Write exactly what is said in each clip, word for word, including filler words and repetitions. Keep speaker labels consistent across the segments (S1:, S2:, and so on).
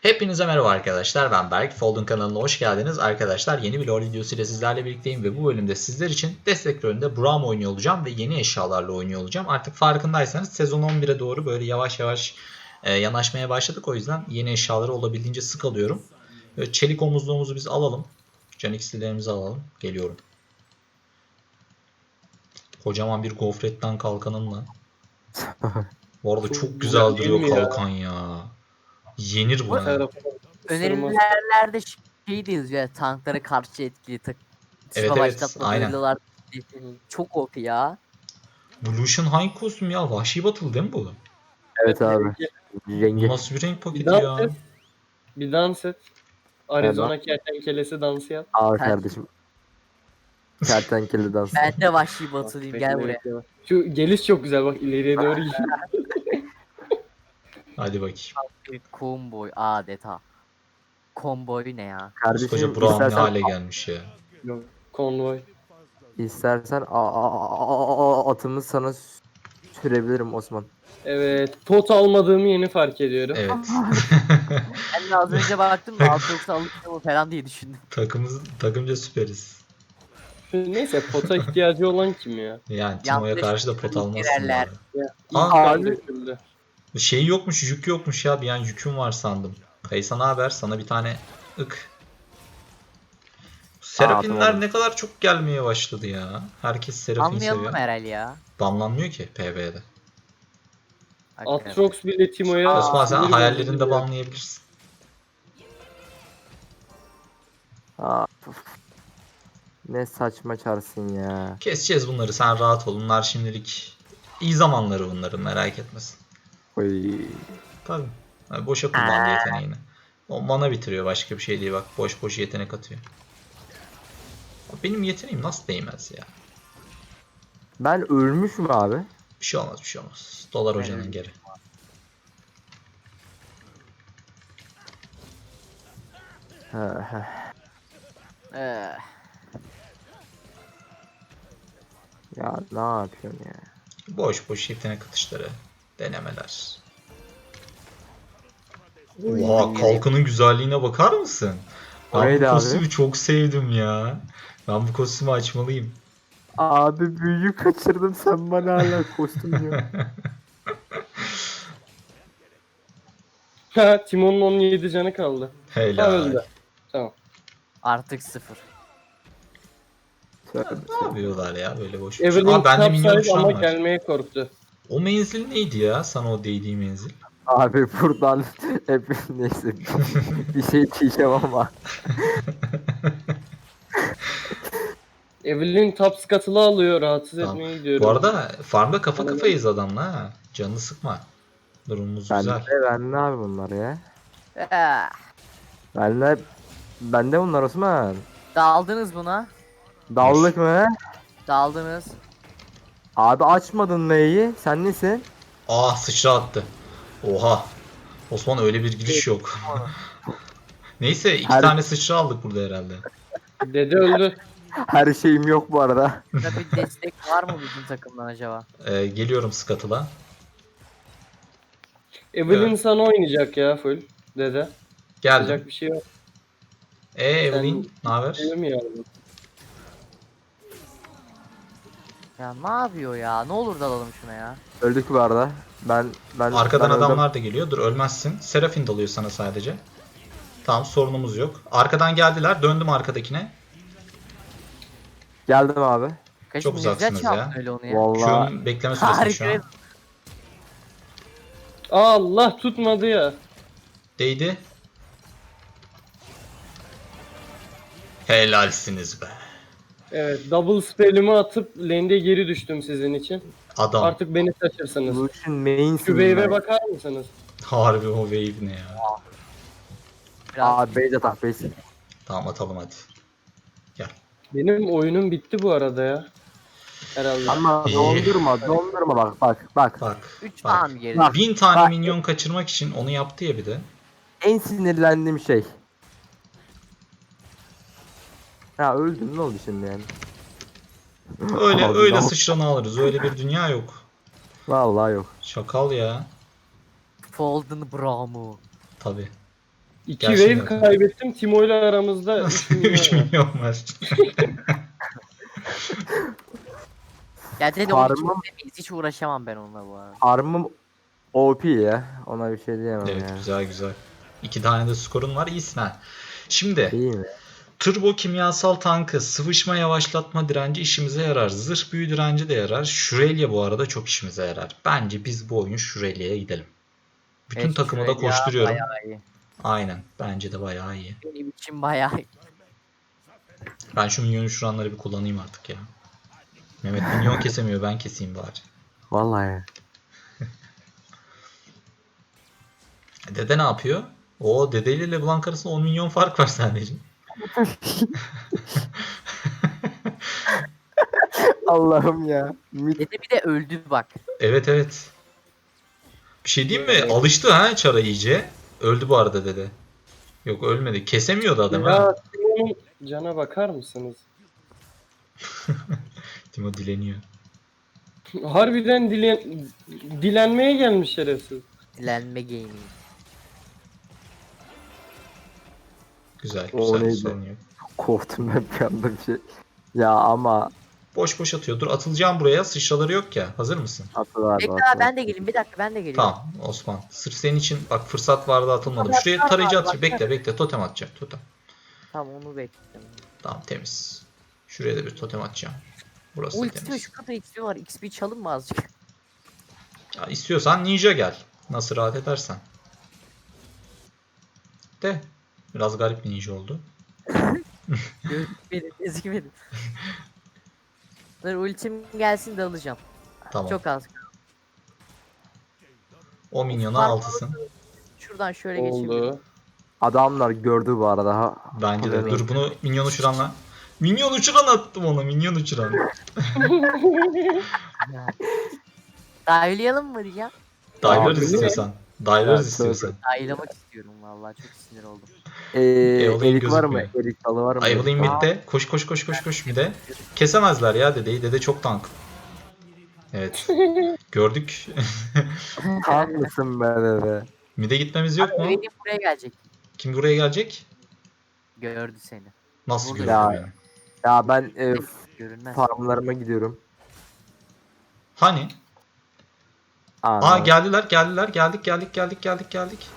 S1: Hepinize merhaba arkadaşlar, ben Berk. Fold'un kanalına hoş geldiniz. Arkadaşlar yeni bir LoL videosu ile sizlerle birlikteyim ve bu bölümde sizler için destek rolünde Braum oynuyor olacağım ve yeni eşyalarla oynuyor olacağım. Artık farkındaysanız sezon on bire doğru böyle yavaş yavaş e, yanaşmaya başladık. O yüzden yeni eşyaları olabildiğince sık alıyorum. Böyle çelik omuzluğumuzu biz alalım. Can iksirlerimizi alalım. Geliyorum. Kocaman bir gofretten kalkanımla. Bu arada çok güzel duruyor kalkan ya. Yenir bu ha.
S2: Önerilerde şey de yazıyor, tanklara karşı etkili tak
S1: Evet,
S2: evet,
S1: evet,
S2: başlatma
S1: aynen.
S2: duyurular. Çok O P ya.
S1: Bu Lucian hangi kostüm ya? Vahşi Battle değil mi bu?
S3: Evet abi.
S1: Bu
S3: Rengi.
S1: nasıl bir renk paketi
S4: Bir dans
S1: ya?
S4: et. Bir dans et. Arizona kertenkelesi dansı yap.
S3: Al
S2: Ter-
S3: kardeşim. Kertenkele dansı.
S2: Ben de vahşi batılıyım, gel buraya.
S4: Şu geliş çok güzel, bak ileriye doğru gidiyor.
S1: Hadi bakayım.
S2: Bir Konvoy adeta. Konvoy ne ya?
S3: Kardeşim
S1: Koskoca Braum ne
S3: istersen,
S1: hale gelmiş ya.
S4: Konvoy.
S3: istersen a- a- a- a- atımı sana sürebilirim Osman.
S4: Evet, pot almadığımı yeni fark ediyorum.
S1: Evet.
S2: Ben de az önce baktım da altı yoksa alıştım mı falan diye düşündüm.
S1: Takımız, takımca süperiz.
S4: Neyse, pota ihtiyacı olan kim ya?
S1: Yani Timo'ya
S2: Yanlış
S1: karşı da pot almazsın.
S2: girerler.
S1: bari.
S4: İlk
S1: Aa,
S4: kan
S3: abi.
S4: döküldü.
S1: Şey yokmuş, yük yokmuş ya. Bir an yüküm var sandım. Kaysa ne haber? Sana bir tane ık. Serafinler
S3: tamam.
S1: ne kadar çok gelmeye başladı ya. Herkes Serafin
S2: Anlayalım
S1: seviyor.
S2: herhalde ya.
S1: Banlanmıyor ki P V'de.
S2: Hakikaten.
S4: Atrox bile Timo'ya...
S1: Osman sen
S4: sinir
S1: hayallerinde
S4: bozucu diyor.
S1: banlayabilirsin.
S3: Aa, puf. Ne saçma çarsın ya.
S1: Keseceğiz bunları, sen rahat ol. Bunlar şimdilik iyi zamanları bunların, merak etmesin.
S3: Oy.
S1: Tabii. Yani boşa kullandı yeteneğini. O mana bitiriyor, başka bir şey değil, bak boş boş yetenek atıyor. Benim yeteneğim nasıl değmez ya?
S3: Ben ölmüş mü abi?
S1: Bir şey olmaz, bir şey olmaz. Dolar hocanın geri.
S3: He, he.
S2: Ee,
S3: Ya ne yapıyorsun ya?
S1: Boş boş yetenek atışları. Denemeler. Oha, kalkanın güzelliğine bakar mısın? Ben
S3: O
S1: bu
S3: neydi abi?
S1: kostümü çok sevdim ya. Ben bu kostümü açmalıyım.
S3: Abi büyüyü kaçırdım, sen bana hala kostüm diyor.
S4: Ha, Timo'nun on yedi canı kaldı. Ha,
S1: Helal.
S4: öldü. Tamam.
S2: artık sıfır.
S3: Tövbe
S1: Ne
S3: tövbe.
S1: yapıyorlar ya böyle boş boş.
S4: Evelyn
S1: Aa, bende
S4: kitap
S1: minyon
S4: sahibi
S1: şu an
S4: ama
S1: var.
S4: gelmeye korktu.
S1: O menzil neydi ya? Sana o değdiği menzil.
S3: Abi buradan hep neyse bir şey diyeceğim ama.
S4: Evelyn top scuttle'ı alıyor, rahatsız
S1: Tamam.
S4: etmeye gidiyorum.
S1: Bu arada farmda kafa kafayız adamla ha. Canını sıkma. Durumumuz
S3: Ben
S1: güzel.
S3: de ben ne abi bunlar ya?
S2: Ee,
S3: Ben de ben de bunlar Osman.
S2: daldınız buna.
S3: Dallık mı?
S2: Daldınız.
S3: Abi açmadın mı iyi? Sen nesin?
S1: Aa, sıçra attı. Oha. Osman, öyle bir giriş yok. Neyse, iki
S3: Her-
S1: tane sıçra aldık burada herhalde.
S4: Dede öldü.
S3: Her şeyim yok bu arada.
S2: Burada bir destek var mı bizim takımdan acaba?
S1: Ee, geliyorum Scuttle'a.
S4: Evelyn
S1: Evet.
S4: sana oynayacak ya full. Dede.
S1: Geldim.
S4: Yapacak bir şey yok.
S1: Ee Evelyn, ne haber?
S4: Değil mi ya?
S2: Ya ne yapıyor ya? Ne olur dalalım şuna ya.
S3: Öldük bu arada. Ben ben
S1: Arkadan
S3: ben öldüm.
S1: adamlar da geliyor. Dur, ölmezsin. Serafin dalıyor sana sadece. Tamam, sorunumuz yok. Arkadan geldiler. Döndüm arkadakine.
S3: Geldim abi.
S2: Kaçım
S1: Çok
S2: ne güzel
S1: uzaksınız
S2: çaldın
S1: ya.
S2: öyle onu ya.
S3: Vallahi
S1: Q'nun bekleme süresi şu an.
S2: Harika.
S4: Allah, tutmadı ya.
S1: Değdi. Helalsiniz be.
S4: Evet, double spell'imi atıp lane'de geri düştüm sizin için.
S1: Adam.
S4: Artık beni taşırsınız.
S3: Lucian main
S4: Şu wave'e bakar mısınız?
S1: Harbi o wave ne ya.
S2: Biraz
S3: Abi base atak base.
S1: Tamam, atalım hadi.
S4: Benim oyunum bitti bu arada ya. Herhalde.
S3: Ama
S1: İyi.
S3: dondurma dondurma bak bak bak.
S1: Bak.
S2: üç
S1: bak.
S2: falan geride.
S3: Bak.
S1: Bin tane
S3: Bak.
S1: minyon kaçırmak için onu yaptı ya bir de.
S3: En sinirlendiğim şey. Ya öldün, ne oldu şimdi yani?
S1: Öyle
S3: Abi,
S1: öyle
S3: tamam.
S1: sıçranı alırız. Öyle bir dünya yok.
S3: Vallahi yok.
S1: Şakal ya.
S2: Folden Braum'u.
S1: Tabi.
S4: İki
S1: Gelsin
S4: wave
S1: zaten.
S4: kaybettim. Timo ile aramızda üç
S1: Nasıl
S4: milyon
S1: üç
S4: var.
S1: milyon var?
S2: Ya dedi
S3: Farmım-
S2: onu hiç demeyiz. Hiç uğraşamam ben onunla bu arada.
S3: Armım O P ya. Ona bir şey diyemem
S1: Evet
S3: yani.
S1: güzel güzel. İki tane de skorun var iyisin ha. Şimdi
S3: İyi mi?
S1: turbo kimyasal tankı, sıvışma yavaşlatma direnci işimize yarar. Zırh büyü direnci de yarar. Şurelya bu arada çok işimize yarar. Bence biz bu oyun Şurelya'ya gidelim. Bütün
S2: Evet,
S1: takımı da
S2: Şurelya
S1: koşturuyorum.
S2: bayağı iyi.
S1: Aynen. Bence de bayağı iyi.
S2: Benim için bayağı iyi.
S1: Ben şu minyon uçuranları bir kullanayım artık ya. Mehmet minyon kesemiyor, ben keseyim bari.
S3: Vallahi.
S1: Dede ne yapıyor? O Dede ile LeBlanc arasında on milyon fark var sadece.
S3: Allah'ım ya. Mit
S2: Dede bir de öldü bak.
S1: Evet evet. Bir şey diyeyim mi? Alıştı ha çara iyice. Öldü bu arada Dede. Yok ölmedi. Kesemiyordu adam ha.
S4: Ya Timo'nun cana bakar mısınız?
S1: Timo dileniyor.
S4: Harbiden dilen, dilenmeye gelmiş şerefsiz.
S2: Dilenme gaming.
S1: Güzel
S3: O
S1: güzel
S3: neydi?
S1: sorun yok.
S3: korktum ben bir anda bir şey. Ya ama
S1: Boş boş atıyor. Dur atılacağım buraya. Sıçraları yok ya. Hazır mısın?
S3: atıl abi.
S2: Bekle
S3: atıl.
S2: abi ben de geleyim. Bir dakika ben de geliyorum.
S1: Tamam Osman. Sırf senin için bak fırsat vardı atılmadım.
S2: Tamam,
S1: Şuraya
S2: tamam
S1: tarayıcı
S2: abi,
S1: atacağım.
S2: bak.
S1: Bekle bekle totem atacağım. Totem.
S2: Tamam onu bekliyorum.
S1: Tamam temiz. Şuraya da bir totem atacağım. Burası da
S2: Ulti
S1: temiz.
S2: şu kadar X P var. X P çalın mı azıcık?
S1: Ya istiyorsan ninja gel. Nasıl rahat edersen. De. Biraz garip bir ninja oldu.
S2: Gözükmedi, gözükmedi. Dur ultim gelsin de alacağım.
S1: Tamam.
S2: Çok az.
S1: O minyona
S2: Fark-
S1: altısın.
S2: Şuradan şöyle geçebilirim.
S4: Oldu.
S3: Adamlar gördü bu arada. Ha.
S1: Bence de.
S3: Haberin
S1: Dur bunu minyon uçuranla. Minyon uçuran attım ona. Minyon uçuran.
S2: Dahiliyalım mı diyeceğim?
S1: Dive'larız
S3: Abi,
S1: istiyorsan. Dive'larız
S3: Evet,
S1: istiyorsan.
S2: Dahilamak istiyorum vallahi çok sinir oldum.
S3: Ee,
S1: Evelyn
S3: erik var mı?
S1: gözükmüyor.
S3: Erik dalı var mı?
S1: Evelyn
S3: Aa,
S1: midde. Koş koş koş koş koş midde. Kesemezler ya dedeyi. Dede çok tank. Evet. Gördük.
S3: Tam mısın be dede?
S1: Mid'e gitmemiz yok mu?
S2: Benim buraya gelecek.
S1: Kim buraya gelecek?
S2: Gördü seni.
S1: Nasıl
S2: Burada.
S1: görüyor
S3: Ya.
S1: beni?
S3: Ya ben e,
S2: Görünmez.
S3: farmlarıma gidiyorum.
S1: Hani?
S3: Aa,
S1: Aa geldiler geldiler. Geldik geldik geldik geldik geldik.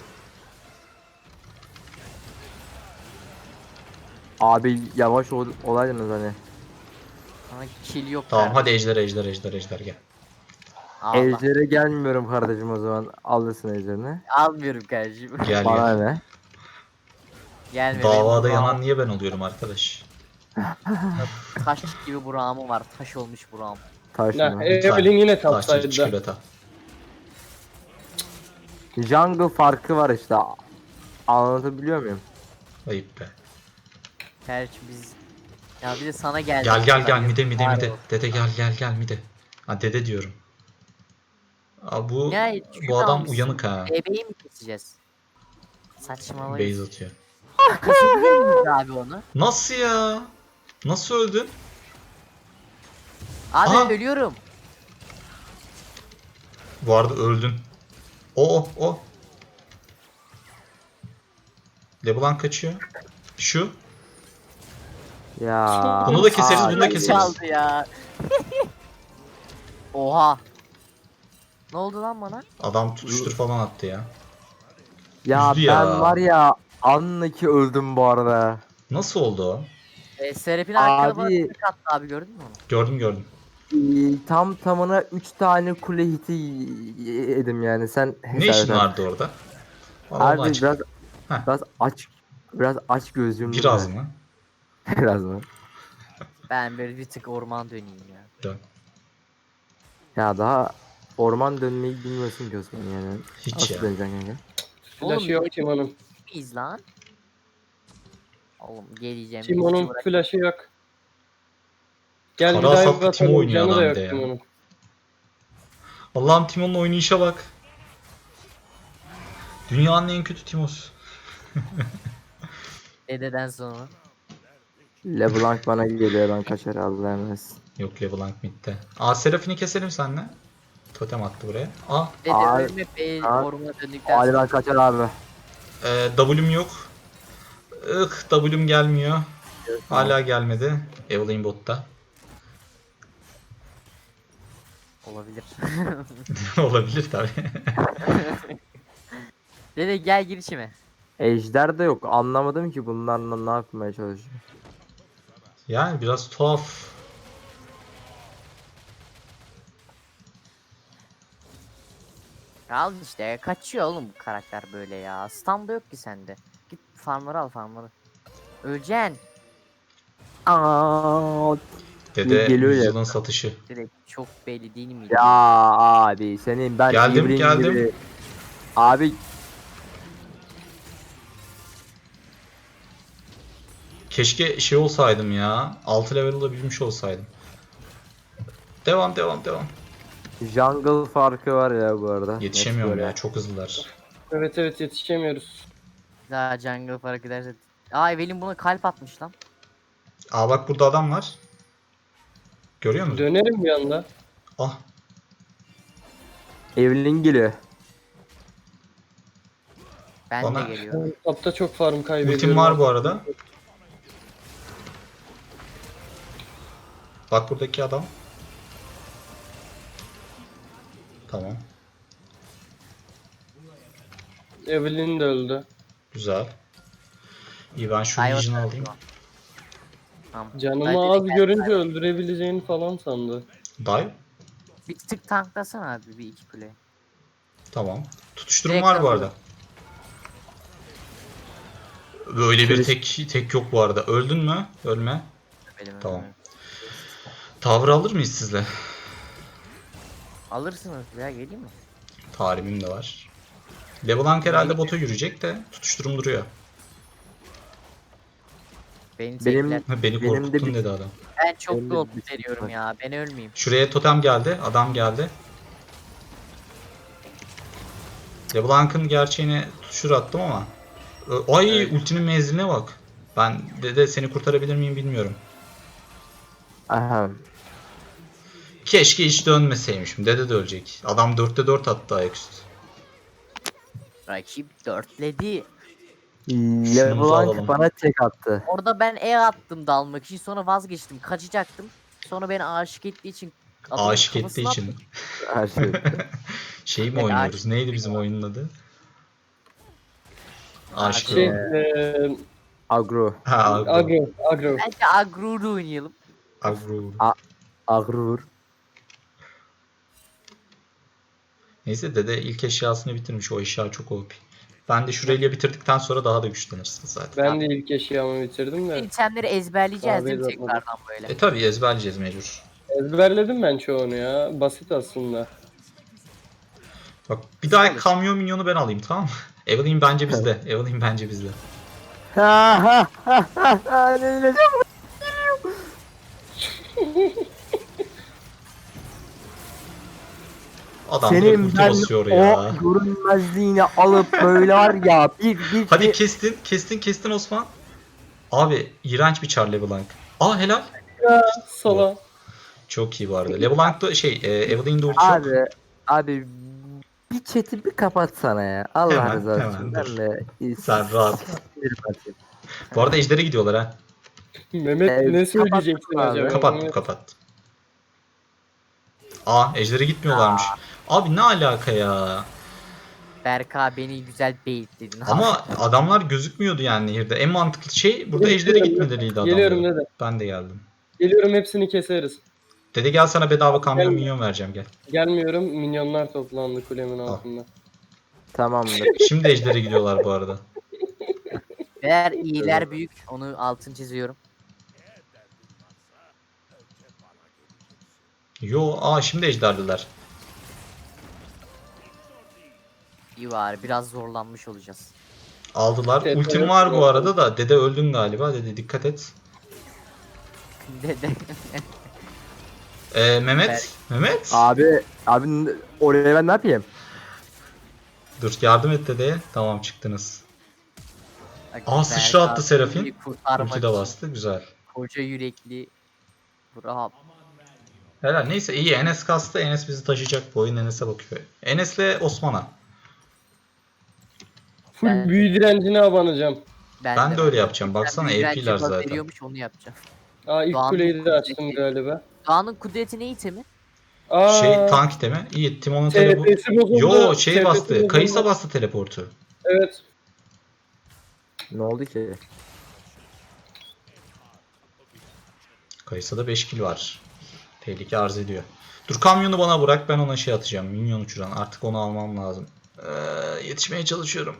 S3: Abi yavaş ol, olaydınız hani.
S2: Sana kill yok.
S1: Tamam
S2: kardeşim.
S1: hadi ejder ejder ejder ejder gel.
S2: Allah.
S3: Ejder'e gelmiyorum kardeşim o zaman. Alırsın Ejder'ini.
S2: Almıyorum kardeşim.
S1: Gel
S3: Bana
S1: gel.
S3: ne?
S2: Gelme.
S1: Davada
S2: benim
S1: yanan niye ben oluyorum arkadaş?
S2: buram- Taş gibi buramı var. Taş olmuş buram.
S3: Taş
S4: Ya,
S3: mı?
S4: Evelyn yine
S1: Taşçı
S4: tapsaydı.
S1: çikolata.
S3: Jungle farkı var işte. Anlatabiliyor muyum?
S1: Ayıp be.
S2: Kardeşim biz... Ya bir de sana geldi.
S1: Gel gel gel mide mide
S2: Var
S1: mide.
S2: o.
S1: Dede gel gel gel mide. Ha dede diyorum. Aa, bu
S2: Ya,
S1: bu
S2: şunu
S1: adam
S2: almışsın.
S1: uyanık ha.
S2: Bebeği mi keseceğiz? Saçmalayın.
S1: Base atıyor.
S2: Kesebilir miyiz abi onu?
S1: Nasıl ya? Nasıl öldün?
S2: Abi
S1: Aha.
S2: ölüyorum.
S1: Bu arada öldün. O o o. LeBlanc kaçıyor. Şu.
S3: Ya.
S1: Bunu da keseriz,
S3: Aa,
S1: bunu da
S2: Ay,
S1: keseriz.
S2: çaldı ya. Oha. Ne oldu lan bana?
S1: Adam tutuştur falan attı ya.
S3: Ya
S1: Üzdü
S3: ben
S1: ya.
S3: var ya anlaki öldüm bu arada.
S1: Nasıl oldu o?
S2: E, Serap'in arkada bana
S3: Abi-
S2: tek attı abi gördün mü onu?
S1: Gördüm gördüm.
S3: Ee, tam tamına üç tane kule hiti yedim yani sen
S1: Ne
S3: hesap
S1: işin
S3: et.
S1: vardı orada? Bana onu
S3: Abi
S1: açık-
S3: biraz
S1: Heh.
S3: biraz aç biraz aç gözlüğüm.
S1: Biraz mı?
S3: Biraz mı?
S2: Ben böyle bir tık orman döneyim ya.
S1: Dön.
S3: Ya daha orman dönmeyi bilmiyorsun ki Osman yani.
S1: Hiç
S3: Nasıl
S1: ya.
S3: döneceksin kanka?
S4: Flash'ı yok Timo'nun.
S2: Miyiz lan? Oğlum geleceğim.
S4: Timo'nun
S2: geleceğim, bırak.
S4: flash'ı yok. Gel bir
S1: Kara
S4: dive
S1: saplı Timo
S4: atalım.
S1: oynuyor
S4: Canı da
S1: adam
S4: yok
S1: bir de ya.
S4: Timo'nun.
S1: Allah'ım Timo'nun oynayışa bak. Dünyanın en kötü Timo'su.
S2: Dededen sonra.
S3: LeBlanc bana geliyor ben kaçar Allah'a emanet.
S1: Yok LeBlanc midde. Aa Seraphine keselim seninle. Totem attı buraya. Aa
S2: Dede
S3: Abi-
S2: ölme be
S3: Abi-
S2: ormana döndükten
S3: Hadi
S2: sonra.
S3: ben kaçar abi.
S1: Ee, W'm yok. Ih, W'm gelmiyor. Hala gelmedi. Evelyn botta.
S2: Olabilir.
S1: Olabilir tabii.
S2: Dede gel gir içime.
S3: Ejder de yok. Anlamadım ki bunlarla ne yapmaya çalışıyor.
S1: Yani biraz tuhaf.
S2: Al işte kaçıyor oğlum bu karakter böyle ya. Stun da yok ki sende. Git farmları al farmları. Öleceksin.
S3: Aa,
S1: Dede
S3: geliyor ya.
S1: yüzyılın satışı.
S2: Direkt çok belli değil mi?
S3: Ya abi senin ben
S1: Geldim,
S3: Evelyn
S1: geldim.
S3: gibi. Abi
S1: Keşke şey olsaydım ya. altı level olabilmiş olsaydım. Devam devam devam.
S3: jungle farkı var ya bu arada. Net
S1: Yetişemiyorum
S3: böyle.
S1: ya. Çok hızlılar.
S4: Evet evet yetişemiyoruz.
S2: Daha jungle fark ederse. Aa Evelyn buna kalp atmış lan.
S1: Aa bak burada adam var. Görüyor musun?
S4: Dönerim bir anda.
S1: Ah.
S3: Evelyn geliyor.
S2: Ben
S1: Bana-
S2: de geliyorum.
S4: Tapta çok farm kaybediyorum.
S1: Ultim var bu arada. Bak buradaki adam. Tamam.
S4: Evelyn de öldü.
S1: Güzel. İyi ben şu
S2: Ay,
S1: Legion'ı
S2: o-
S1: alayım.
S2: Tamam.
S4: Canımı
S2: Hadi
S4: az
S2: gel.
S4: görünce öldürebileceğini falan sandı.
S1: Dive.
S2: Bir tık tanklasana abi bir iki kule.
S1: Tamam. Tutuşturum
S2: Direkt
S1: var bu
S2: alıyorum.
S1: arada. Böyle bir
S3: Çeliş-
S1: tek tek yok bu arada. Öldün mü? Ölme.
S2: Benim
S1: Tamam.
S2: önüme.
S1: Tavır alır mıyız sizle?
S2: Alırsınız ya geleyim mi?
S1: Tarihim de var. LeBlanc herhalde bota yürüyecek de tutuşturum duruyor.
S2: Beni
S3: Benim-
S2: tekler.
S1: Ha, beni
S3: Benim de
S1: korkuttun
S3: bir-
S1: dedi adam.
S2: Ben çok
S3: benim de
S2: gold
S3: bir-
S2: veriyorum ya. Ben ölmeyeyim.
S1: Şuraya totem geldi. Adam geldi. LeBlanc'ın gerçeğine tutuşur attım ama. Ö- Ay
S4: Evet.
S1: ultinin menziline bak. Ben dede seni kurtarabilir miyim bilmiyorum.
S3: Aha.
S1: Keşke hiç dönmeseymişim. Dede de ölecek. Adam dörtte dört attı ayaküstü.
S2: Rakip dörtledi.
S1: Şunumuzu alalım.
S3: LeBlanc bana tek attı.
S2: Orada ben E attım dalmak için sonra vazgeçtim. Kaçacaktım. Sonra beni aşık ettiği için adamın
S1: Aşık ettiği
S2: kafasına
S1: için.
S2: attım.
S3: Her şey.
S1: Şey mi
S2: Evet,
S1: oynuyoruz?
S2: aşık
S1: Neydi
S2: ettim
S1: bizim
S2: ya.
S1: oyunun adı? Aşk.
S4: Şey,
S3: Evet.
S4: eee
S3: Agro.
S1: Ha, Agro.
S4: agro, agro.
S2: Bence Agru'da oynayalım.
S1: Agro.
S3: Agrur.
S1: Neyse dede ilk eşyasını bitirmiş. O eşya çok O P. Ben de şurayı bitirdikten sonra daha da güçlenirsin zaten.
S4: Ben de ilk eşyamı bitirdim de.
S2: İtemleri ezberleyeceğiz değil mi
S4: Abi, yapmadım.
S2: tekrardan böyle?
S1: E tabi ezberleyeceğiz mecbur.
S4: Ezberledim ben çoğunu ya. Basit aslında.
S1: Bak bir daha
S2: Çalış.
S1: kamyon minyonu ben alayım tamam mı? Evelyn bence bizde. Evelyn bence bizde.
S3: Ha ha ha ha ha ne diyeceğim?
S1: Adam direkt
S3: Senin
S1: ulti
S3: ben
S1: basıyor
S3: o
S1: ya.
S3: görünmezliğini alıp böyle var ya bir bir
S1: Hadi
S3: bir-
S1: kestin. Kestin kestin Osman. Abi iğrenç bir Char LeBlanc. Aa helal.
S4: Sala.
S1: Çok iyi bu arada. LeBlanc'da şey e, Evelyn'de ulti yok.
S3: abi abi bir chat'i bir kapatsana ya. Allah
S1: Hemen,
S3: rızası
S1: hemen,
S3: için.
S1: dur.
S3: Ben de
S1: Sen rahat.
S3: sinir atayım.
S1: Bu arada Ejder'e gidiyorlar ha.
S4: Mehmet
S3: Ee,
S4: ne söyleyeceksin
S3: kapattım abi.
S4: acaba?
S1: Kapattım kapattım. Aa Ejder'e gitmiyorlarmış. Abi ne alaka ya?
S2: Berka beni güzel baitledin.
S1: Ama adamlar gözükmüyordu yani nehirde. En mantıklı şey burada Ejder'e gitmeleriydi
S4: Geliyorum
S1: adamların.
S4: dede.
S1: Ben de geldim.
S4: Geliyorum hepsini keseriz.
S1: Dede gel sana bedava kamyon
S4: Gelme.
S1: minyon vereceğim gel.
S4: Gelmiyorum. Minyonlar toplandı kulemin altında.
S3: Tamamdır.
S1: Şimdi Ejder'e gidiyorlar bu arada.
S2: Eğer iyiler büyük onu altın çiziyorum.
S1: Yo aa şimdi Ejder'liler.
S2: İyi var biraz zorlanmış olacağız.
S1: Aldılar.
S4: Evet,
S1: Ultim
S4: evet,
S1: var bu
S4: evet.
S1: arada da. Dede öldün galiba. Dede dikkat et.
S2: Dede.
S1: Ee, Mehmet.
S2: Berk.
S1: Mehmet.
S3: abi abi oraya ben ne yapayım?
S1: Dur yardım et dedeye. Tamam çıktınız.
S2: Bak,
S1: Aa sıçra
S2: Berka
S1: attı Serafin.
S2: beni kurtarmak
S1: Ulti de
S2: için
S1: bastı. Güzel.
S2: Koca yürekli. Bravo.
S1: Helal. Neyse iyi. Enes kastı. Enes bizi taşıyacak. Bu oyun Enes'e bakıyor. Enes'le Osman'a.
S4: Full
S2: Ben-
S4: büyü direncine abanacağım.
S1: Ben de öyle yapacağım. Baksana,
S2: Ben
S1: A P'ler
S2: direnci
S1: zaten.
S2: veriyormuş, onu yapacağım.
S4: Aa ilk
S2: Doğan'ın
S4: kuleyi de açtım
S2: kudreti.
S4: galiba.
S2: Doğan'ın kudreti ne itemi?
S4: Aa
S1: Şey tank itemi. İyi. Timon'un teleportu.
S4: T P'si bozuldu.
S1: Yo şey
S4: T P'si
S1: bastı.
S4: bozuldu.
S1: Kayısa bastı teleportu.
S4: Evet.
S3: Ne oldu ki?
S1: Kayısa'da beş kill var. Tehlike arz ediyor. Dur kamyonu bana bırak, ben ona şey atacağım. Minyon uçuran. Artık onu almam lazım. Ee, yetişmeye çalışıyorum.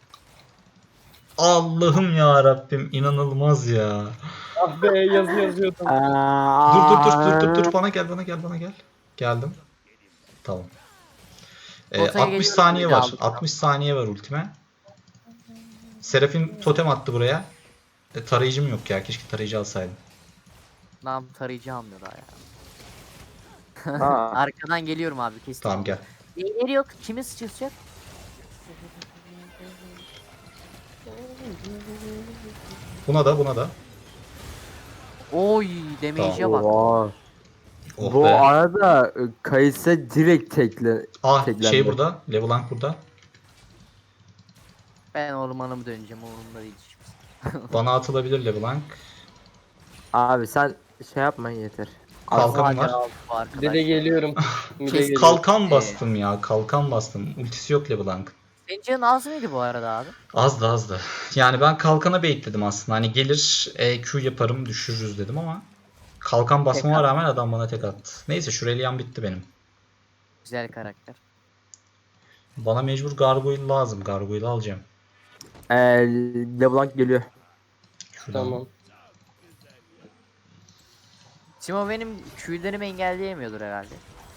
S1: Allah'ım ya Rabbim, inanılmaz ya.
S4: Ah be yazı yazıyordum.
S1: Dur dur dur dur dur dur bana gel bana gel bana gel. Geldim. Tamam. Ee,
S2: Potaya
S1: altmış
S2: geliyorum,
S1: saniye
S2: bir de
S1: var.
S2: aldım.
S1: altmış saniye var ultime. Serafin totem attı buraya. E, tarayıcım yok ya. Keşke tarayıcı alsaydım.
S2: Lan tarayıcı almıyor daha ya.
S3: Ha.
S2: Arkadan geliyorum abi, kesin.
S1: Tamam gel.
S2: Neyleri yok? Kimi sıçrayacak?
S1: Buna da buna da.
S2: Oy, damage'e bak.
S3: Oha.
S1: Oh
S3: Bu
S1: be.
S3: arada e, Kayısa direkt tekle.
S1: Ah
S3: teklendi.
S1: şey burada. Levelank burada.
S2: Ben ormanımı döneceğim, umurumda değil hiçbir.
S1: Bana atılabilir Levelank.
S3: Abi sen şey yapma yeter.
S1: Kalkanım
S2: Hadi
S1: var.
S2: al bu arkadaş.
S4: Dede geliyorum. Mide
S2: Kes-
S4: geliyorum.
S1: Kalkan bastım ya. Kalkan bastım. Ultisi yok Levelank.
S2: Senin canın az mıydı bu arada abi?
S1: Azdı azdı. Yani ben kalkana baitledim aslında. Hani gelir E Q yaparım düşürürüz dedim ama kalkan basmama rağmen adam bana tek attı. Neyse şu Reliant bitti benim.
S2: Güzel karakter.
S1: Bana mecbur Gargoyle lazım. Gargoyle alacağım.
S3: Ee, LeBlanc geliyor.
S1: Şuradan.
S4: Tamam.
S2: Timo benim Q'lerimi engelleyemiyordur herhalde.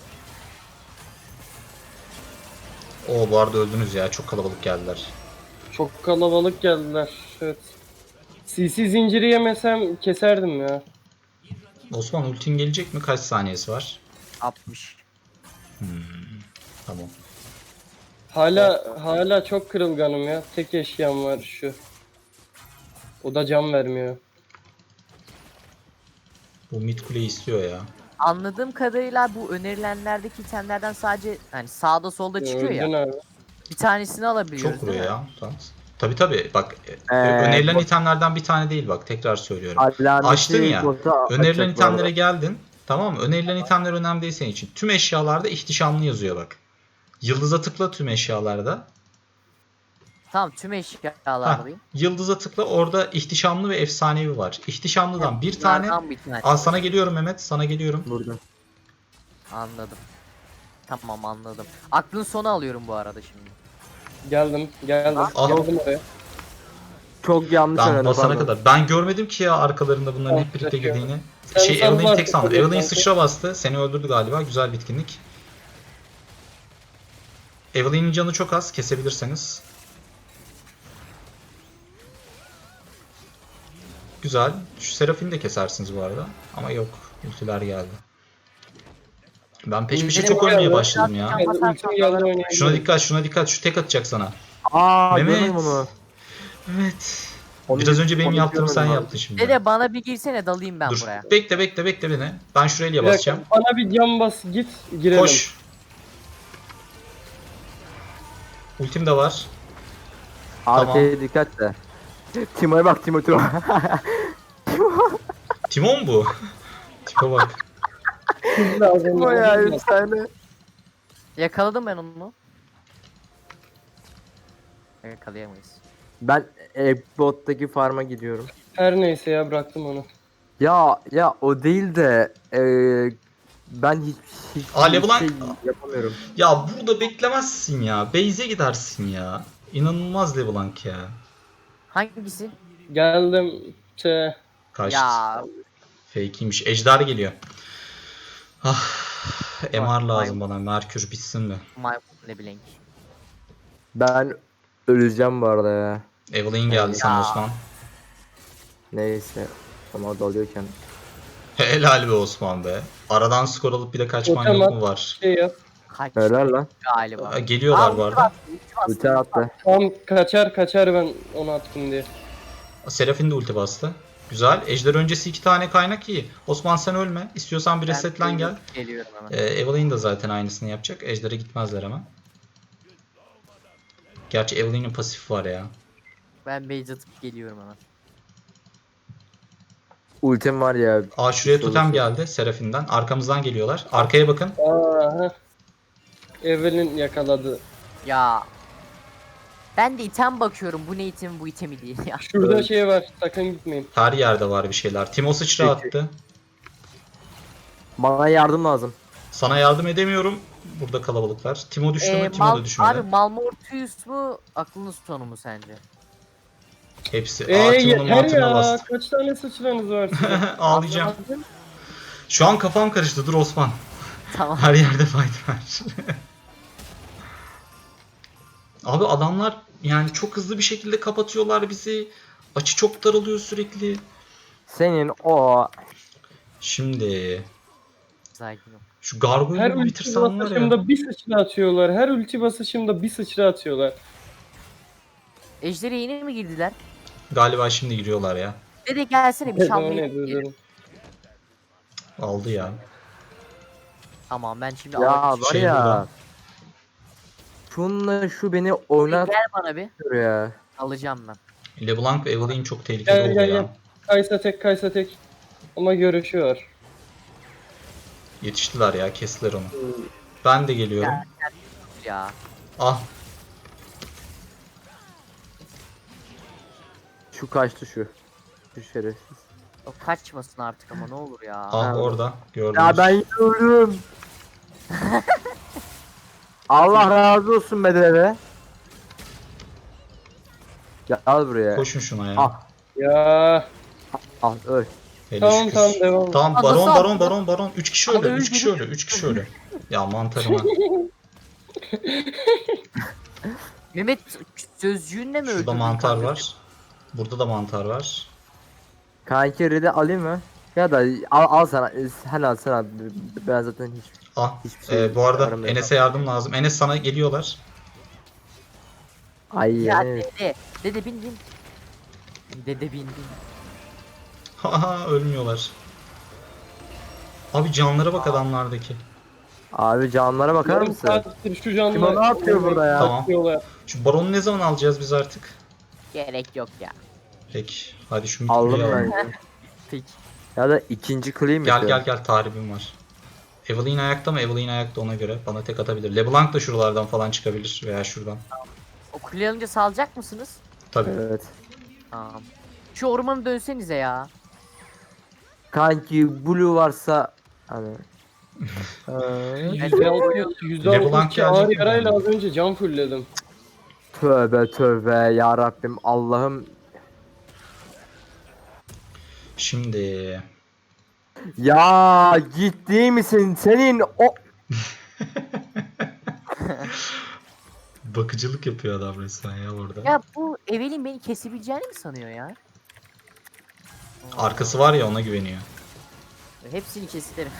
S1: Oo bu arada öldünüz ya. Çok kalabalık geldiler.
S4: Çok kalabalık geldiler. Evet. C C zinciri yemesem keserdim ya.
S1: Osman ultin gelecek mi? Kaç saniyesi var?
S2: altmış.
S1: Tamam.
S4: Hala hala çok kırılganım ya. Tek eşyam var şu. O da can vermiyor.
S1: Bu mid kuleyi istiyor ya.
S2: Anladığım kadarıyla bu önerilenlerdeki itemlerden sadece hani sağda solda çıkıyor
S4: Öldün
S2: ya.
S4: abi.
S2: Bir tanesini alabiliyoruz
S1: Çok vuruyor
S2: değil mi?
S1: ya. Tamam. Tabi tabi bak
S3: Ee,
S1: önerilen
S3: bu-
S1: itemlerden bir tane değil bak tekrar söylüyorum.
S3: Alameti
S1: Açtın ya.
S3: bota
S1: Önerilen
S3: açacak bu arada.
S1: itemlere geldin. Tamam mı? Önerilen itemler önemli değil senin için. Tüm eşyalarda ihtişamlı yazıyor bak. Yıldıza tıkla tüm eşyalarda.
S2: Tamam, tüm
S1: Ha,
S2: eşyalardayım.
S1: yıldıza tıkla, orada ihtişamlı ve efsanevi var. İhtişamlıdan bir tane.
S2: Bunlardan bir tane.
S1: Al sana geliyorum Mehmet, sana geliyorum.
S3: Burada.
S2: Anladım. Tamam, anladım. Aklın sonu alıyorum bu arada şimdi.
S4: Geldim, geldim.
S1: Ah.
S4: Geldim oraya.
S3: Çok yanlış
S1: Ben
S3: oynadım,
S1: basana
S3: pardon.
S1: kadar. Ben görmedim ki ya arkalarında bunların hep
S4: Ah,
S1: birlikte
S4: kaçıyor.
S1: girdiğini.
S4: Sen
S1: Şey
S4: sen
S1: Evelyn
S4: var,
S1: tek sandım.
S4: tabii,
S1: Evelyn
S4: kanka.
S1: sıçra bastı. Seni öldürdü galiba. Güzel bitkinlik. Evelyn'in canı çok az. Kesebilirseniz. Güzel. Şu Seraphine de kesersiniz bu arada. Ama yok. Ultiler geldi. Ben peş peşe
S2: Benim
S1: çok
S4: oraya
S1: ölmeye
S4: bak.
S1: başladım ya.
S4: Geldi, ultim geldi oynayabilirim.
S1: Şuna dikkat, şuna dikkat. Şu tek atacak sana.
S3: Aa
S1: Mehmet.
S3: görmedim onu.
S1: Evet.
S3: Onu-
S1: Biraz önce benim
S3: onu
S1: yaptığımı sen
S3: görmedim abi.
S1: yaptın şimdi.
S2: Dede bana bir girsene, dalayım ben
S1: Dur.
S2: buraya.
S1: Bekle bekle bekle beni. Ben şuraya
S4: Bir dakika,
S1: basacağım.
S4: bana bir can bas git girelim.
S1: Koş. Ultim de var.
S3: Arkaya dikkat de. Timo'ya bak Timo Timo.
S1: Timon bu. Tipe bak.
S4: Lazım,
S3: Timo ya
S4: lazım.
S3: efsane.
S2: Yakaladım ben onu. Yakalayamayız.
S3: Ben Ekbot'taki farm'a gidiyorum.
S4: Her neyse ya bıraktım onu.
S3: Ya ya o değil de eee ben hiç hiç
S1: Aa, LeBlanc-
S3: şey yapamıyorum.
S1: Ya burada beklemezsin ya. Base'e gidersin ya. İnanılmaz Leblanc ya.
S2: Hangisi?
S4: Geldim. Şey,
S1: Kaçtı.
S2: Ya
S1: Fake'iymiş. Ejder geliyor. Ah, M R
S2: Vay,
S1: lazım bana. Merkür bitsin mi?
S2: maymun ne bileyim.
S3: Ben öleceğim bu arada ya.
S1: Evelyn geldi sana
S2: Ya.
S1: Osman.
S3: Neyse. Ama dalıyorken.
S1: Helal be Osman be. Aradan skor alıp bir de kaçman
S4: Totem
S1: yok
S4: at.
S1: mu var?
S4: şey yap.
S2: Kaç
S3: Helal lan.
S2: galiba.
S1: Aa, Geliyorlar
S2: Aa,
S1: bu arada.
S2: ulti bastı, ulti
S3: Ulti
S2: bastı.
S3: attı.
S4: Tam kaçar kaçar ben onu attım diye.
S1: Serafin de ulti bastı. Güzel. Ejder öncesi iki tane kaynak iyi. Osman sen ölme. İstiyorsan bir
S2: Ben
S1: resetlen gel.
S2: Geliyorum hemen.
S1: Ee, Evelyn de zaten aynısını yapacak. Ejder'e gitmezler hemen. Gerçi Evelyn'in pasifi var ya.
S2: Ben base atıp geliyorum hemen.
S3: Ultim var ya.
S1: Aa şuraya
S3: Güçlü
S1: totem
S3: olursa.
S1: geldi Seraphim'den. Arkamızdan geliyorlar. Arkaya bakın.
S4: Aha. Evelyn yakaladı.
S2: Ya. Ben de item bakıyorum. Bu ne item bu itemi değil ya.
S4: Şurada
S3: Evet.
S4: şey var. Sakın gitmeyin.
S1: Her yerde var bir şeyler. Timo sıçra
S3: Peki.
S1: attı.
S3: Bana yardım lazım.
S1: Sana yardım edemiyorum. Burada kalabalıklar. Timo düştü
S2: Ee,
S1: mü? Timo
S2: Mal,
S1: da düşmedi.
S2: abi Malmortius mu? Aklınız sonu mu sence?
S1: Hepsi.
S4: Eee
S1: Aa Timo'nun
S4: yeter
S1: mantığına
S4: ya.
S1: bastı.
S4: Kaç tane sıçranız var sizin?
S1: Ağlayacağım.
S2: Anlamadım.
S1: Şu an kafam karıştı. Dur Osman.
S2: Tamam.
S1: Her yerde fight var. Abi adamlar yani çok hızlı bir şekilde kapatıyorlar bizi. Açı çok daralıyor sürekli.
S3: Senin o
S1: Şimdi
S2: Sakin ol.
S1: şu
S4: Her
S1: gargoyle'ı
S4: ulti
S1: bitirsem var ya.
S4: basışımda bir sıçra atıyorlar. Her ulti basışımda bir sıçra atıyorlar.
S2: Ejder'e yeni mi girdiler?
S1: Galiba şimdi giriyorlar ya.
S2: Dede gelsene bir
S4: Ne
S2: çalmaya.
S4: diyorum.
S1: Aldı ya.
S2: Tamam ben şimdi
S3: ya
S2: alacağım.
S3: var
S1: Şey
S3: ya.
S1: burada.
S3: Şunla şu beni oynatıyor
S2: Gel bana bir.
S3: ya.
S2: Alacağım ben.
S1: LeBlanc ve Evelynn çok tehlikeli
S4: Gel
S1: oldu
S4: gel
S1: ya.
S4: gel. Kaysa tek Kaysa tek. Ama görüşüyor.
S1: Yetiştiler ya, kestiler onu. Ben de geliyorum.
S2: Ya.
S1: Ah,
S3: Şu kaçtı şu. Şu şerefsiz.
S2: O kaçmasın artık ama ne olur ya.
S1: ah
S3: Ha.
S1: orada gördünüz.
S3: Ya ben yürüyorum. Allah razı olsun bedeve. Gel al buraya.
S1: Koşun şuna ya.
S3: Ah.
S4: Ya.
S3: Al öl.
S1: Hele
S4: Tamam
S1: şükür.
S4: tamam devam.
S1: Tamam
S2: Aa,
S1: baron
S2: nasıl
S1: baron
S2: attı?
S1: baron baron. üç kişi
S2: Abi
S1: öyle.
S2: öldü.
S1: üç kişi öyle. üç kişi öyle. Ya mantarıma.
S2: Mehmet sözcüğünle mi öldürdün?
S1: Şurada mantar
S2: kanka?
S1: var. Burada da mantar var.
S3: Kanki red'i alayım mı? Ya da al, al sana. Sen al sen al. Ben zaten hiç.
S1: Ah,
S3: Hiçbir şey
S1: e, bu arada
S3: aramıyorum.
S1: Enes'e yardım lazım. Enes sana geliyorlar.
S3: Ay
S2: Ya
S3: yani.
S2: dede. Dede bin bin. Dede bin bin.
S1: Haha ölmüyorlar. Abi canlara bak adamlardaki.
S3: Abi canlara bakar
S4: Yarım
S3: mısın?
S4: saattir şu canlı.
S3: Kim o ne yapıyor burada ya?
S1: Tamam.
S4: Bakıyorlar.
S1: Şu baronu ne zaman alacağız biz artık?
S2: Gerek yok ya.
S1: Peki. Hadi şu
S3: Aldım
S1: midkuleyi alalım.
S3: ben.
S2: Peki.
S3: Ya da ikinci clean mi?
S1: Gel
S3: şu?
S1: gel gel tarifim var. Evelyn ayakta mı? Evelyn ayakta, ona göre bana tek atabilir. LeBlanc da şuralardan falan çıkabilir veya şuradan.
S2: O kule alınca salacak mısınız?
S1: Tabii.
S3: Evet.
S2: Tamam. Şu ormanı dönsenize ya.
S3: Kanki blue varsa hani. Ee,
S4: yüzde altmış, yüzde
S1: LeBlanc
S4: altmış iki ağır
S1: gelecek mi
S4: yarayla
S1: bana?
S4: az önce can fullledim.
S3: tövbe tövbe ya Rabbim Allah'ım.
S1: Şimdi
S3: Ya ciddi misin? Senin o
S1: bakıcılık yapıyor adam resmen ya orada.
S2: Ya bu Evelyn beni kesebileceğini mi sanıyor ya?
S1: Arkası var ya, ona güveniyor.
S2: Hepsini keserim.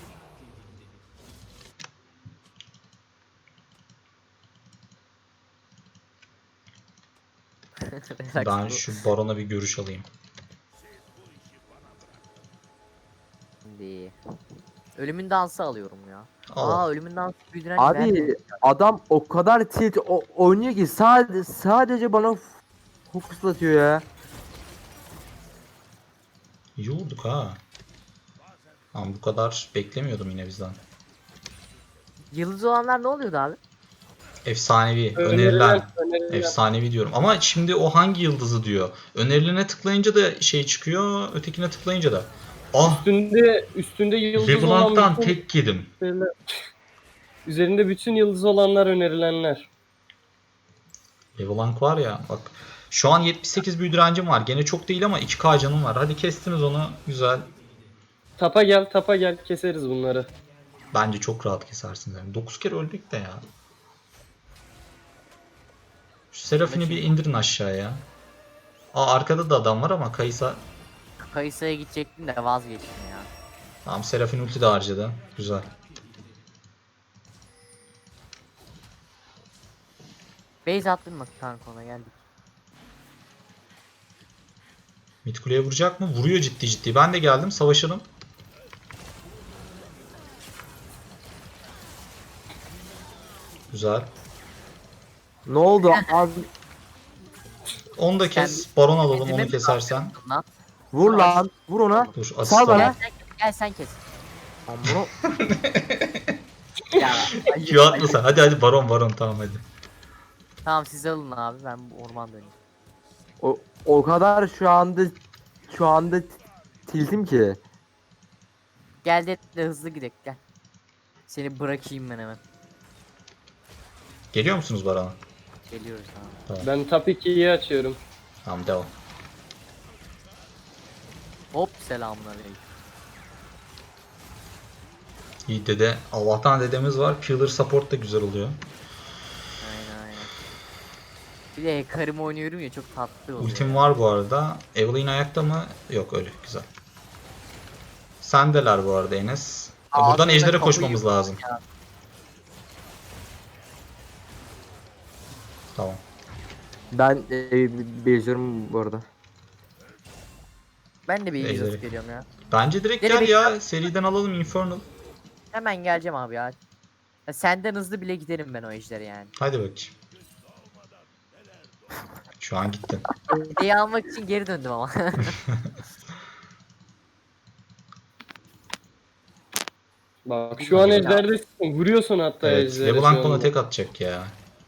S1: Ben şu barona bir görüş alayım.
S2: Şimdi ölümün dansı alıyorum ya.
S1: Al.
S2: Aa ölümün dansı büyüdüren ben
S3: abi
S2: de-
S3: adam o kadar tilt o, oynuyor ki sadece sadece bana f- fokuslatıyor ya.
S1: İyi olduk ha. Ama bu kadar beklemiyordum yine bizden.
S2: Yıldız olanlar ne oluyordu abi?
S1: Efsanevi, önerilen.
S4: Önerilen, önerilen.
S1: Efsanevi diyorum. Ama şimdi o hangi yıldızı diyor. Önerilene tıklayınca da şey çıkıyor, ötekine tıklayınca da. Ah,
S4: Üstünde üstünde yıldız olan
S1: LeBlanc'tan
S4: bütün
S1: tek yedim.
S4: şeyler- üzerinde bütün yıldız olanlar önerilenler.
S1: LeBlanc var ya bak. Şu an yetmiş sekiz büyü direncim var. Gene çok değil ama iki K canım var. Hadi kestiniz onu. Güzel.
S4: Tapa gel, tapa gel, keseriz bunları.
S1: Bence çok rahat kesersiniz. Yani dokuz kere öldük de ya. Şu Seraphim'i bir indirin aşağıya. Aa arkada da adam var ama Kaysa.
S2: Kayısı'ya gidecektim de vazgeçtim ya.
S1: Tamam, Seraphim ulti de harcadı. Güzel.
S2: Base attın mı kanka ona geldik.
S1: Mid kuleye vuracak mı? Vuruyor ciddi ciddi. Ben de geldim. Savaşalım. Güzel.
S3: Ne oldu abi?
S1: Onu da kes. Baron alalım onu kesersen.
S2: Lan.
S3: Vur lan. Vur ona.
S1: Dur asist
S3: Sal bana.
S2: Gel
S1: alalım.
S2: sen, gel sen kes.
S3: Lan bunu
S2: Ya, ayıp,
S1: Q atma
S2: ayıp.
S1: sen. Hadi hadi baron baron tamam hadi.
S2: Tamam siz alın abi ben bu orman döneyim.
S3: o, o kadar şu anda şu anda t- tiltim ki.
S2: Gel de, de hızlı gidelim gel. Seni bırakayım ben hemen.
S1: Geliyor musunuz barona?
S2: Geliyoruz abi.
S4: Ben top ikiyi açıyorum.
S1: Tamam devam.
S2: Hop selamünaleyküm.
S1: İyi dede. Allah'tan dedemiz var. Pillar support da güzel oluyor.
S2: Aynen aynen. Bir de Karim oynuyorum ya çok tatlı oluyor.
S1: Ultim
S2: ya.
S1: var bu arada. Evelyn ayakta mı? Yok öyle. Güzel. Sendeler bu arada Enes.
S2: Aa,
S1: Buradan
S2: aslında
S1: ejdere
S2: kapıyı
S1: koşmamız
S2: yok
S1: lazım.
S2: ya.
S1: Tamam.
S3: Ben e, beziyorum bu arada.
S2: Ben de bir
S1: Ejderi.
S2: izot geliyorum ya.
S1: Bence direkt
S2: Nereye
S1: gel ya. Seriden alalım Infernal.
S2: Hemen geleceğim abi ya. Ya senden hızlı bile giderim ben o ejderi yani.
S1: Hadi bakayım. Şu an gittin.
S2: Hediye almak için geri döndüm ama.
S4: Bak şu an ejderdesin. Vuruyorsun hatta
S1: Evet.
S4: ejderi.
S1: LeBlanc
S4: şu
S1: bana
S4: anda.
S1: tek atacak ya.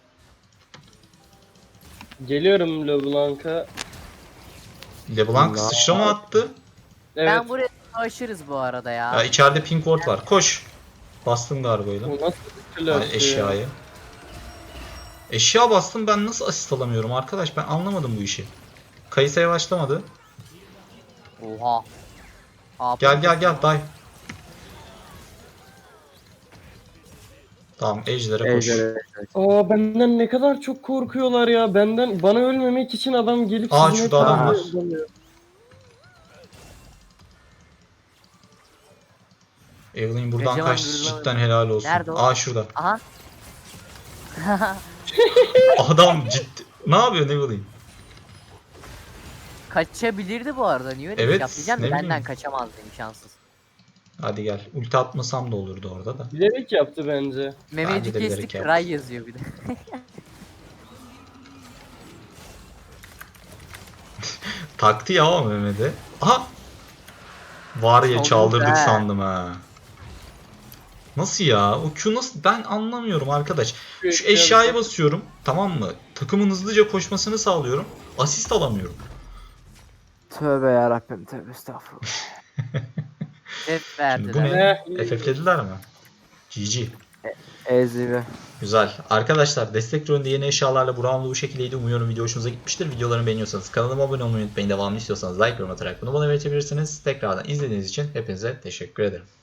S4: Geliyorum LeBlanc'a.
S1: LeBlanc
S3: Allah.
S1: sıçrama attı.
S4: Evet.
S2: Ben buraya savaşırız bu arada ya.
S1: Ya içeride pink ward var. Koş. Bastın gargoyla.
S4: O nasıl bir flash
S1: Ay,
S4: ya?
S1: eşyayı. Eşya bastım ben nasıl asist alamıyorum arkadaş ben anlamadım bu işi. Kayısa yavaşlamadı.
S2: Oha. Abi,
S1: Gel gel gel day. Tamam ejder'e koş.
S3: Ejder.
S4: Aa benden ne kadar çok korkuyorlar ya. Benden bana ölmemek için adam gelip
S1: Aa,
S4: sizin
S1: şurada adam
S4: etrafınızda
S1: var.
S4: dönüyor.
S1: Evelyn buradan
S2: Kocaman
S1: kaçtı
S2: gırlama-
S1: cidden helal olsun.
S2: Nerede o?
S1: Aa şurada.
S2: Aha.
S1: Adam ciddi. Ne yapıyorsun Evelyn?
S2: Kaçabilirdi bu arada. Niye öyle
S1: Evet,
S2: bir şey yapacağım?
S1: ne
S2: Benden
S1: bileyim.
S2: kaçamazdı imkansız.
S1: Hadi gel. Ulti atmasam da olurdu orada da.
S4: Bilerek yaptı bence.
S2: Mehmet'i
S1: de bilerek
S2: kestik.
S1: yaptı.
S2: Ray yazıyor bir de.
S1: Taktı ya o Mehmet'e. Aha! Var ya
S2: Çaldı
S1: çaldırdık
S2: be.
S1: sandım ha. Nasıl ya? O Q nasıl? Ben anlamıyorum arkadaş. Şu eşyaya basıyorum. Tamam mı? Takımın hızlıca koşmasını sağlıyorum. Asist alamıyorum.
S3: Tövbe yarabbim tövbe estağfurullah.
S2: Hep
S1: Şimdi bu
S2: verdiler.
S1: ne? F F'lediler mi? G G.
S3: Ezivi.
S1: Güzel. Arkadaşlar destek rolünde yeni eşyalarla bu round'u bu şekildeydi. Umuyorum video hoşunuza gitmiştir. Videolarımı beğeniyorsanız kanalıma abone olmayı unutmayın. Devamlı istiyorsanız like yorum atarak bunu bana belirtebilirsiniz. Tekrardan izlediğiniz için hepinize teşekkür ederim.